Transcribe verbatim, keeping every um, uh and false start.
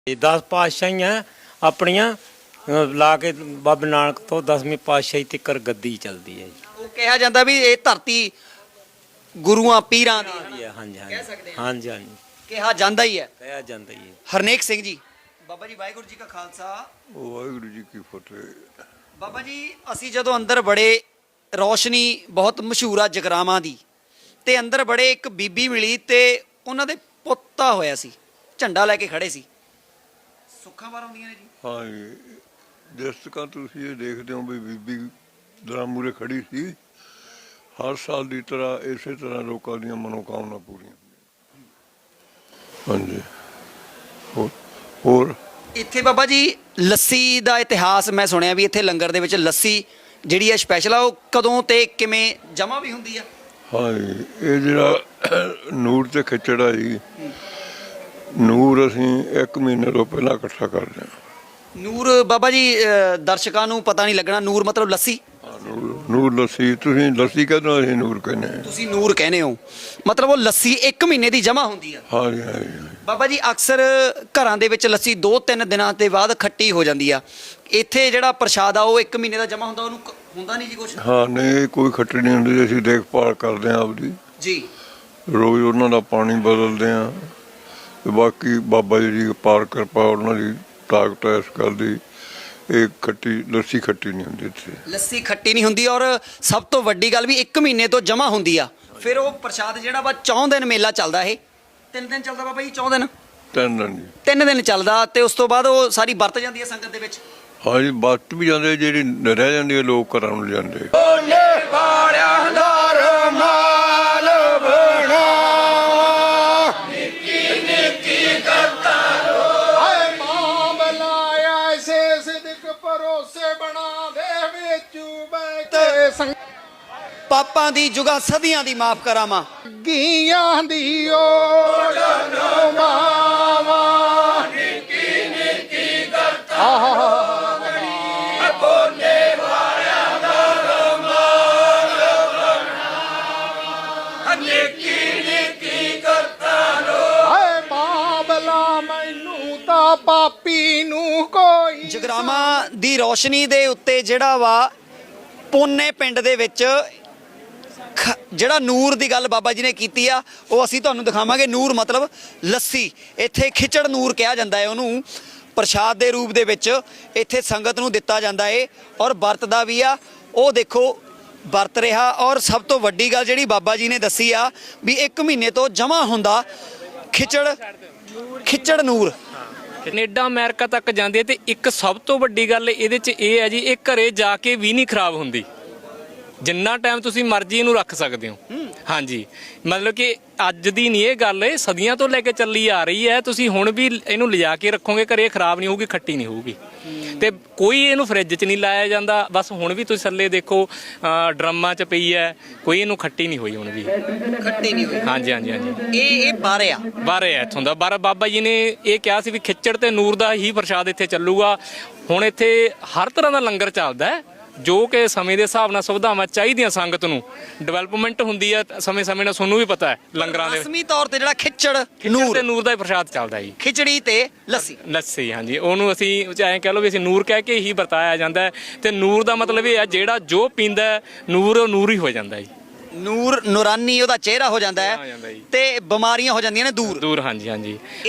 दस पातशाहियां अपनियां ला के बाबा नानक तो दसवीं पातशाही तक गद्दी चलती है जी। ਉਹ ਕਿਹਾ ਜਾਂਦਾ ਵੀ ਇਹ ਧਰਤੀ ਗੁਰੂਆਂ ਪੀਰਾਂ ਦੀ हाँ जी हाँ जी ਕਹਿ ਸਕਦੇ ਹਾਂ। हाँ जी हाँ जी ਕਿਹਾ ਜਾਂਦਾ ਹੀ ਹੈ। कहा जाता ही है। ਹਰਨੇਕ ਸਿੰਘ ਜੀ, ਬਾਬਾ ਜੀ ਵਾਹਿਗੁਰੂ ਜੀ ਕਾ ਖਾਲਸਾ ਵਾਹਿਗੁਰੂ ਜੀ ਕੀ ਫਤਿਹ। ਬਾਬਾ ਜੀ ਅਸੀਂ ਜਦੋਂ ਅੰਦਰ ਬੜੇ ਰੌਸ਼ਨੀ ਬਹੁਤ ਮਸ਼ਹੂਰ ਆ ਜਗਰਾਵਾਂ ਦੀ ਤੇ ਅੰਦਰ ਬੜੇ ਇੱਕ ਬੀਬੀ ਮਿਲੀ ਤੇ ਉਹਨਾਂ ਦੇ ਪੁੱਤਾ ਹੋਇਆ ਸੀ, ਝੰਡਾ ਲੈ ਕੇ ਖੜੇ ਸੀ। ਸੁੱਖਾਂ ਬਾਰ ਆਉਂਦੀਆਂ ਨੇ ਜੀ। ਹਾਂ ਜੀ, ਜਿਸ ਤਰ੍ਹਾਂ ਤੁਸੀਂ ਇਹ ਦੇਖਦੇ ਹੋ ਵੀ ਬੀਬੀ ਦਰਾਂ ਮੂਹਰੇ ਖੜੀ ਸੀ, ਹਰ ਸਾਲ ਦੀ ਤਰ੍ਹਾਂ ਇਸੇ ਤਰ੍ਹਾਂ ਲੋਕਾਂ ਦੀਆਂ ਮਨੋਕਾਮਨਾ ਪੂਰੀਆਂ ਹਾਂਜੀ। ਹੋਰ ਹੋਰ ਇੱਥੇ ਬਾਬਾ ਜੀ ਲੱਸੀ ਦਾ ਇਤਿਹਾਸ ਮੈਂ ਸੁਣਿਆ ਵੀ ਇੱਥੇ ਲੰਗਰ ਦੇ ਵਿੱਚ ਲੱਸੀ ਜਿਹੜੀ ਹੈ ਸਪੈਸ਼ਲ ਆ, ਉਹ ਕਦੋਂ ਤੇ ਕਿਵੇਂ ਜਮ੍ਹਾਂ ਵੀ ਹੁੰਦੀ ਆ? ਹਾਂ ਜੀ, ਇਹ ਜਿਹੜਾ ਨੂਰ ਤੇ ਖਿਚੜਾ ਜੀ, ਨੂਰ ਅਸੀਂ ਇੱਕ ਮਹੀਨੇ ਤੋਂ ਪਹਿਲਾਂ ਇਕੱਠਾ ਕਰਦੇ ਹਾਂ। ਨੂਰ ਬਾਬਾ ਜੀ ਅ, ਦਰਸ਼ਕਾਂ ਨੂੰ ਪਤਾ ਨਹੀਂ ਲੱਗਣਾ, ਨੂਰ ਮਤਲਬ ਲੱਸੀ। ਹਾਂ, ਨੂਰ ਨੂਰ ਲੱਸੀ, ਤੁਸੀਂ ਲੱਸੀ ਕਹਿੰਦੇ ਹੋ, ਅਸੀਂ ਨੂਰ ਕਹਿੰਦੇ ਹਾਂ। ਤੁਸੀਂ ਨੂਰ ਕਹਿੰਦੇ ਹੋ, ਮਤਲਬ ਉਹ ਲੱਸੀ ਇੱਕ ਮਹੀਨੇ ਦੀ ਜਮ੍ਹਾਂ ਹੁੰਦੀ ਆ। ਹਾਂ ਜੀ ਹਾਂ ਜੀ ਹਾਂ ਜੀ। ਬਾਬਾ ਜੀ ਅਕਸਰ ਘਰਾਂ ਦੇ ਵਿੱਚ ਲੱਸੀ ਦੋ ਤਿੰਨ ਦਿਨਾਂ ਦੇ ਬਾਅਦ ਖੱਟੀ ਹੋ ਜਾਂਦੀ ਆ, ਇੱਥੇ ਜਿਹੜਾ ਪ੍ਰਸ਼ਾਦ ਆ ਉਹ ਇੱਕ ਮਹੀਨੇ ਦਾ ਜਮ੍ਹਾਂ ਹੁੰਦਾ, ਉਹਨੂੰ ਕ- ਹੁੰਦਾ ਨਹੀਂ ਜੀ ਕੁਛ? ਹਾਂ ਨਹੀਂ, ਕੋਈ ਖੱਟੀ ਨਹੀਂ ਹੁੰਦੀ, ਅਸੀਂ ਦੇਖਭਾਲ ਕਰਦੇ ਹਾਂ ਆਪਦੀ, ਜੀ ਰੋਜ਼ ਉਹਨਾਂ ਦਾ ਪਾਣੀ ਬਦਲਦੇ ਹਾਂ ਤੇ ਬਾਕੀ ਬਾਬਾ ਜੀ ਦੀ ਅਪਾਰ ਕਿਰਪਾ, ਉਹਨਾਂ ਦੀ ਤਾਕਤ ਹੈ ਇਸ ਗੱਲ ਦੀ, ਇਹ ਖੱਟੀ ਲੱਸੀ ਖੱਟੀ ਨਹੀਂ ਹੁੰਦੀ ਇੱਥੇ। ਲੱਸੀ ਖੱਟੀ ਨਹੀਂ ਹੁੰਦੀ, ਔਰ ਸਭ ਤੋਂ ਵੱਡੀ ਗੱਲ ਵੀ ਇੱਕ ਮਹੀਨੇ ਤੋਂ ਜਮ੍ਹਾਂ ਹੁੰਦੀ ਆ। ਫਿਰ ਉਹ ਪ੍ਰਸ਼ਾਦ ਜਿਹੜਾ ਵਾ ਚੌਂ ਦਿਨ ਮੇਲਾ ਚੱਲਦਾ, ਇਹ ਤਿੰਨ ਦਿਨ ਚੱਲਦਾ ਬਾਬਾ ਜੀ, ਚੌਂ ਦਿਨ ਤਿੰਨ ਦਿਨ ਜੀ। ਤਿੰਨ ਦਿਨ ਚੱਲਦਾ ਤੇ ਉਸ ਤੋਂ ਬਾਅਦ ਉਹ ਸਾਰੀ ਵਰਤ ਜਾਂਦੀ ਹੈ ਸੰਗਤ ਦੇ ਵਿੱਚ। ਹਾਂ ਜੀ, ਬੱਟ ਵੀ ਜਾਂਦੇ, ਜਿਹੜੀ ਰਹਿ ਜਾਂਦੀ ਹੈ ਲੋਕ ਘਰਾਂ ਨੂੰ ਜਾਂਦੇ। ਪਾਪਾਂ ਦੀ ਜੁਗਾ ਸਦੀਆਂ ਦੀ ਮਾਫ ਕਰਾਵਾਂ, ਗੀਆਂ ਦੀ ਓੜ ਮਾਵਾ ਨਿੱਕੀ ਨਿੱਕੀ ਕਰਤਾ ਬੋਲੇ ਵਾਲਿਆਂ ਦਾ ਰਮਾਲ ਬਣਾ ਨਿੱਕੀ ਨਿੱਕੀ ਕਰਤਾ ਲੋ। ਹਾਏ ਬਾਬਲਾ ਮੈਨੂੰ ਤਾਂ ਪਾਪੀ ਨੂੰ ਕੋਈ। ਜਗਰਾਵਾਂ ਦੀ ਰੌਸ਼ਨੀ ਦੇ ਉੱਤੇ ਜਿਹੜਾ ਵਾ ਪੋਨੇ ਪਿੰਡ ਦੇ ਵਿੱਚ ਖ- ਜਿਹੜਾ ਨੂਰ ਦੀ ਗੱਲ ਬਾਬਾ ਜੀ ਨੇ ਕੀਤੀ ਆ, ਉਹ ਅਸੀਂ ਤੁਹਾਨੂੰ ਦਿਖਾਵਾਂਗੇ। ਨੂਰ ਮਤਲਬ ਲੱਸੀ, ਇੱਥੇ ਖਿਚੜ ਨੂਰ ਕਿਹਾ ਜਾਂਦਾ ਹੈ ਉਹਨੂੰ। ਪ੍ਰਸ਼ਾਦ ਦੇ ਰੂਪ ਦੇ ਵਿੱਚ ਇੱਥੇ ਸੰਗਤ ਨੂੰ ਦਿੱਤਾ ਜਾਂਦਾ ਏ ਔਰ ਵਰਤਦਾ ਵੀ ਆ, ਉਹ ਦੇਖੋ ਵਰਤ ਰਿਹਾ। ਔਰ ਸਭ ਤੋਂ ਵੱਡੀ ਗੱਲ ਜਿਹੜੀ ਬਾਬਾ ਜੀ ਨੇ ਦੱਸੀ ਆ ਵੀ ਇੱਕ ਮਹੀਨੇ ਤੋਂ ਜਮ੍ਹਾਂ ਹੁੰਦਾ ਖਿਚੜ ਖਿਚੜ ਨੂਰ। ਕੈਨੇਡਾ ਅਮਰੀਕਾ ਤੱਕ ਜਾਂਦੀ ਹੈ ਤੇ ਇੱਕ ਸਭ ਤੋਂ ਵੱਡੀ ਗੱਲ ਇਹਦੇ 'ਚ ਇਹ ਹੈ ਜੀ, ਇਹ ਘਰੇ ਜਾ ਕੇ ਵੀ ਨਹੀਂ ਖਰਾਬ ਹੁੰਦੀ, ਜਿੰਨਾ ਟਾਈਮ ਤੁਸੀਂ ਮਰਜ਼ੀ ਇਹਨੂੰ ਰੱਖ ਸਕਦੇ ਹੋ। ਹਾਂਜੀ, ਮਤਲਬ ਕਿ ਅੱਜ ਦੀ ਨਹੀਂ ਇਹ ਗੱਲ, ਇਹ ਸਦੀਆਂ ਤੋਂ ਲੈ ਕੇ ਚੱਲੀ ਆ ਰਹੀ ਹੈ। ਤੁਸੀਂ ਹੁਣ ਵੀ ਇਹਨੂੰ ਲਿਜਾ ਕੇ ਰੱਖੋਗੇ ਘਰੇ, ਖਰਾਬ ਨਹੀਂ ਹੋਊਗੀ, ਖੱਟੀ ਨਹੀਂ ਹੋਊਗੀ। ਤੇ ਕੋਈ ਇਹਨੂੰ ਫਰਿੱਜ 'ਚ ਨਹੀਂ ਲਾਇਆ ਜਾਂਦਾ। ਬਸ ਹੁਣ ਵੀ ਤੁਸੀਂ ਥੱਲੇ ਦੇਖੋ ਅ, ਡਰਮਾਂ 'ਚ ਪਈ ਹੈ, ਕੋਈ ਇਹਨੂੰ ਖੱਟੀ ਨਹੀਂ ਹੋਈ ਹੁਣ ਵੀ। ਖੱਟੀ ਨਹੀਂ ਹੋਈ। ਹਾਂਜੀ ਹਾਂਜੀ ਹਾਂਜੀ, ਇਹ ਇਹ ਬਾਰੇ ਆ ਬਾਰੇ ਹੈ ਇੱਥੋਂ ਦਾ। ਬਾਰਾ ਬਾਬਾ ਜੀ ਨੇ ਇਹ ਕਿਹਾ ਸੀ ਵੀ ਖਿੱਚੜ ਤੇ ਨੂਰ ਦਾ ਹੀ ਪ੍ਰਸ਼ਾਦ ਇੱਥੇ ਚੱਲੂਗਾ। ਹੁਣ ਇੱਥੇ ਹਰ ਤਰ੍ਹਾਂ ਦਾ ਲੰਗਰ ਚੱਲਦਾ ਹੈ, ਜੋ ਕਿ ਸਮੇਂ ਦੇ ਹਿਸਾਬ ਨਾਲ ਸੁਵਿਧਾਵਾਂ ਚਾਹੀਦੀਆਂ ਸੰਗਤ ਨੂੰ, ਡਿਵੈਲਪਮੈਂਟ ਹੁੰਦੀ ਹੈ ਸਮੇਂ ਸਮੇਂ ਨਾਲ। ਤੁਹਾਨੂੰ ਵੀ ਪਤਾ ਹੈ ਲੰਗਰਾਂ ਦੇ ਰਸਮੀ ਤੌਰ ਤੇ ਜਿਹੜਾ ਖਿੱਚੜ ਨੂਰ ਨੂਰ ਤੇ ਨੂਰ ਦਾ ਹੀ ਪ੍ਰਸ਼ਾਦ ਚੱਲਦਾ ਜੀ, ਖਿਚੜੀ ਤੇ ਲੱਸੀ। ਲੱਸੀ। ਹਾਂਜੀ, ਉਹਨੂੰ ਅਸੀਂ ਐਂ ਕਹਿ ਲਓ ਵੀ ਅਸੀਂ ਨੂਰ ਕਹਿ ਕੇ ਹੀ ਵਰਤਾਇਆ ਜਾਂਦਾ ਹੈ। ਤੇ ਨੂਰ ਦਾ ਮਤਲਬ ਇਹ ਹੈ ਜਿਹੜਾ ਜੋ ਪੀਂਦਾ ਹੈ ਨੂਰ, ਉਹ ਨੂਰ ਹੀ ਹੋ ਜਾਂਦਾ ਜੀ। ਨੂਰ ਨੂਰਾਨੀ ਉਹਦਾ ਚਿਹਰਾ ਹੋ ਜਾਂਦਾ ਹੋ ਹੈ ਜਾਂਦਾ ਜੀ। ਤੇ ਬਿਮਾਰੀਆਂ ਹੋ ਜਾਂਦੀਆਂ ਨੇ ਦੂਰ। ਦੂਰ, ਹਾਂਜੀ ਹਾਂਜੀ।